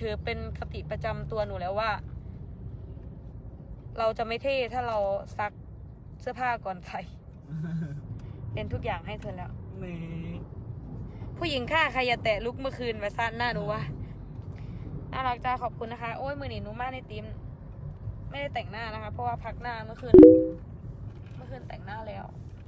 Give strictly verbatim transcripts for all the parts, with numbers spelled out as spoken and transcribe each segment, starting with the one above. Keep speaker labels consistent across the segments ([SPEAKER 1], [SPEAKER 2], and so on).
[SPEAKER 1] ถือเป็นคติประจำตัวหนูแล้วว่า เราจะไม่เท่ถ้าเราซักเสื้อผ้าก่อนใส่ เป็นทุกอย่างให้เธอแล้ว
[SPEAKER 2] นี่
[SPEAKER 1] ผู้หญิงฆ่าใครอย่าแตะลุกเมื่อคืนมาสั้นหน้าหนูวะน่ารักจ้าขอบคุณนะคะโอ้ยมือหนีหนูมากในทีมไม่ได้แต่งหน้านะคะเพราะว่าพักหน้าเมื่อคืนเมื่อคืนแต่งหน้าแล้ว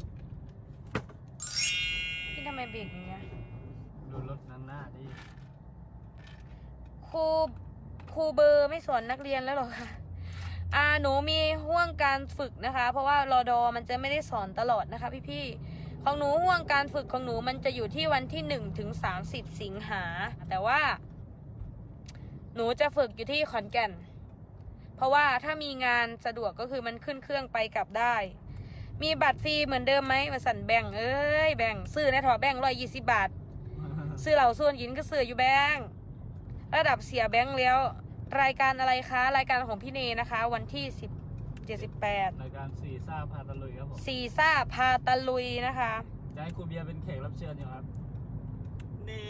[SPEAKER 1] พี่ทำไมเบรกอย่างเงี้ย
[SPEAKER 2] ดูรถนั้นหน้าดิ
[SPEAKER 1] ครูครูเบอร์ไม่สอนนักเรียนแล้วหรอคะอ่าหนูมีห่วงการฝึกนะคะเพราะว่ารอดอมันจะไม่ได้สอนตลอดนะคะพี่ๆของหนูห่วงการฝึกของหนูมันจะอยู่ที่วันที่หนึ่งถึงสามสิบสิงหาแต่ว่าหนูจะฝึกอยู่ที่ขอนแก่นเพราะว่าถ้ามีงานสะดวกก็คือมันขึ้นเครื่องไปกลับได้มีบัตรฟรีเหมือนเดิมไหมมาสั่นแบ่งเอ้ยแบ่งซื้อในถอแบ่งร้อยยี่สิบบาทซื้อเหล่าส่วนยินก็ซื้ออยู่แบงระดับเสียแบงแล้วรายการอะไรคะรายการของพี่เนนะคะวันที่สิบเจ็ดสิบแปด
[SPEAKER 2] รายการซีซ่าพาตะลุยครับผม
[SPEAKER 1] ซีซ่าพาตะลุยนะคะ
[SPEAKER 2] จะให้ครูเบียร์เป็นแขกรับเชิญอยู่ครับนี่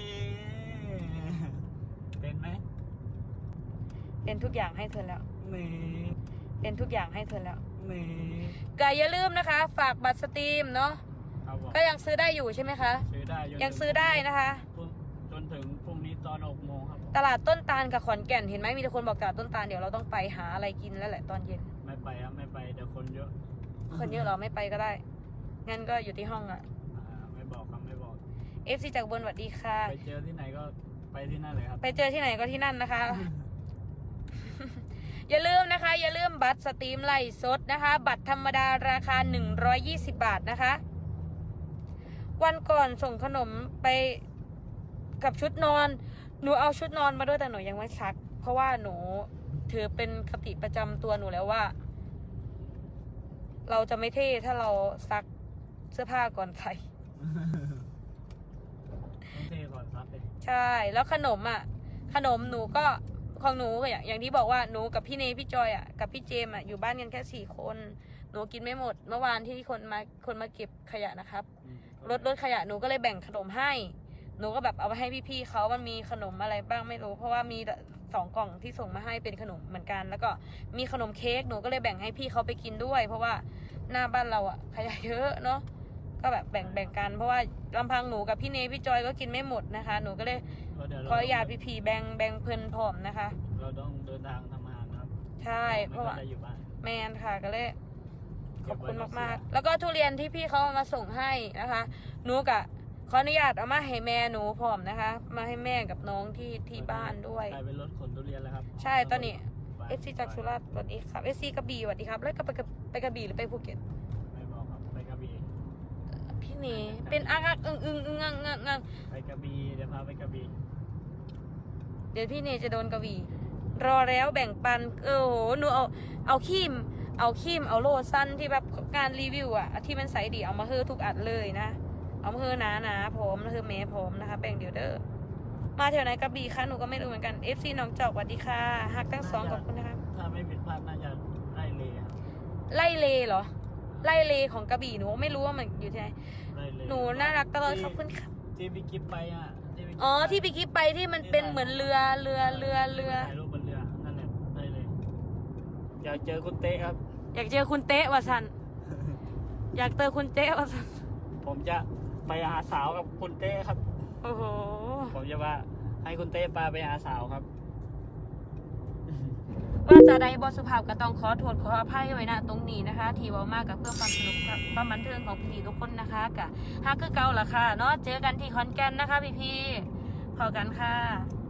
[SPEAKER 2] เป็นไหม
[SPEAKER 1] เป็นทุกอย่างให้เธอแล้ว
[SPEAKER 2] นี่
[SPEAKER 1] เป็นทุกอย่างให้เธอแล้ว
[SPEAKER 2] นี่
[SPEAKER 1] ก็อย่าลืมนะคะฝากบัตรสตรีมเนาะก็ยังซื้อได้อยู่ใช่ไหมคะ
[SPEAKER 2] ซื้อได้
[SPEAKER 1] ยังซื้อได้นะคะ
[SPEAKER 2] จนถึงพรุ่งนี้ตอนหกโมงครับ
[SPEAKER 1] ตลาดต้นตาลกับขอนแก่นเห็นไหมมีแต่คนบอกตลาดต้นตาลเดี๋ยวเราต้องไปหาอะไรกินแล้วแหละตอนเย็น
[SPEAKER 2] ไม่ไปครับไม่ไปเดี๋ยวคนเยอะ
[SPEAKER 1] คนเยอะเราไม่ไปก็ได้งั้นก็อยู่ที่ห้องอ่ะ
[SPEAKER 2] ไม่บอกครับไม่บอก
[SPEAKER 1] เอฟซีจากบนสวัสดีค่ะ
[SPEAKER 2] ไปเจอที่ไหนก็ไปที่นั่นเลยครับ
[SPEAKER 1] ไปเจอที่ไหนก็ที่นั่นนะคะ อย่าลืมนะคะอย่าลืมบัตรสตรีมไลฟ์สดนะคะบัตรธรรมดาราคาหนึ่งร้อยยี่สิบบาทนะคะวันก่อนส่งขนมไปกับชุดนอนหนูเอาชุดนอนมาด้วยแต่หนูยังไม่ซักเพราะว่าหนูถือเป็นคติประจำตัวหนูแล้วว่า เราจะไม่เท่ถ้าเราซักเสื้อผ้าก่อนใส่
[SPEAKER 2] เท่ก่อนซักเลย
[SPEAKER 1] ใช่แล้วขนมอ่ะขนมหนูก็ของหนูอย่างอย่างที่บอกว่าหนูกับพี่เนพี่จอยอ่ะกับพี่เจมอ่ะอยู่บ้านกันแค่สี่คนหนูกินไม่หมดเมื่อวานที่คนมาคนมาเก็บขยะนะครับรถรถขยะหนูก็เลยแบ่งขนมให้หนูก็แบบเอาไปให้พี่ๆเขามันมีขนมอะไรบ้างไม่รู้เพราะว่ามีสองกล่องที่ส่งมาให้เป็นขนมเหมือนกันแล้วก็มีขนมเค้กหนูก็เลยแบ่งให้พี่เขาไปกินด้วยเพราะว่าหน้าบ้านเราอ่ะขยะเยอะเนาะก็แบบแบ่งแบ่งกันเพราะว่าลำพังหนูกับพี่เนพี่จอยก็กินไม่หมดนะคะหนูก็เลยขออนุญาตพี่ๆแบ่งแบ่งเพิ่นพร้อมนะคะ
[SPEAKER 2] เราต้องเดินทางทำงานครับ
[SPEAKER 1] ใช่เพราะว่าแมนค่ะก็เลยขอบคุณมากๆแล้วก็ทุเรียนที่พี่เขามาส่งให้นะคะหนูกับขออนุญาตเอามาให้แม่หนูพร้อมนะคะมาให้แม่กับน้องที่ที่บ้านด้วย
[SPEAKER 2] กลายเป็นรถขนทุเรียนแล้วครับ
[SPEAKER 1] ใช่ตอนนี้เอฟซีจากสุราษฎร์สวัสดีครับเอฟซีกระบี่สวัสดีครับแล้วก็ไปไปกระบี่หรือไปภูเก็ต
[SPEAKER 2] ไม่บอกครับไปกระบี่
[SPEAKER 1] พี่นี่เป็นอักอักอึ้งอึ้งอึ้งงังงังงัง
[SPEAKER 2] ไปกระบี่เดี๋ยวพาไปกระบี่
[SPEAKER 1] เดี๋ยวพี่เนจะโดนกระบี่รอแล้วแบ่งปันเออโหหนูเอาเอาขีมเอาขีมเอาโลสั้นที่แบบการรีวิวอะที่มันใสดีเอามาเฮือทุกอันเลยนะเอามาเฮือหนาหนาผมเฮือเมย์ผมนะคะแบ่งเดี๋ยวเด้อมาแถวไหนกระบี่คะหนูก็ไม่รู้เหมือนกันเอฟซีน้องจอกสวัสดีค่ะฮักทั้งสองขอบคุณนะคะ
[SPEAKER 2] ถ้าไม่ผิดพลาดน่าจะไล่เล
[SPEAKER 1] ไล่เลเหรอไล่เลของกระบี่หนูไม่รู้ว่ามันอยู่ที่ไหนหนูน่ารักตลอดขอบคุณค่ะ
[SPEAKER 2] ที่พี่กิ๊บไปอ่ะ
[SPEAKER 1] อ๋อที่พี่กิ๊บไปที่มันเป็นเหมือนเรือเรือเรือเรือ
[SPEAKER 2] ถ่ายรูปบนเรือนั่นแหละได้เลยอยากเจอคุณเต้ครับ
[SPEAKER 1] อยากเจอคุณเต้วะสันอยากเจอคุณเต้วะสัน
[SPEAKER 2] ผมจะไปหาสาวกับคุณเต้ครับ
[SPEAKER 1] โอ้โห
[SPEAKER 2] ผมจะว่าให้คุณเต้พาไปหาสาวครับ
[SPEAKER 1] ว่าจะได้บทสุภาพก็ต้องขอโทษขออภัยไว้นะตรงนี้นะคะที่ว่ามากกับเพื่อความสนุกความบันเทิงของพี่ๆทุกคนนะคะกับฮักคือเก่าล่ะค่ะเนาะเจอกันที่ขอนแก่นนะคะพี่ๆพอกันค่ะ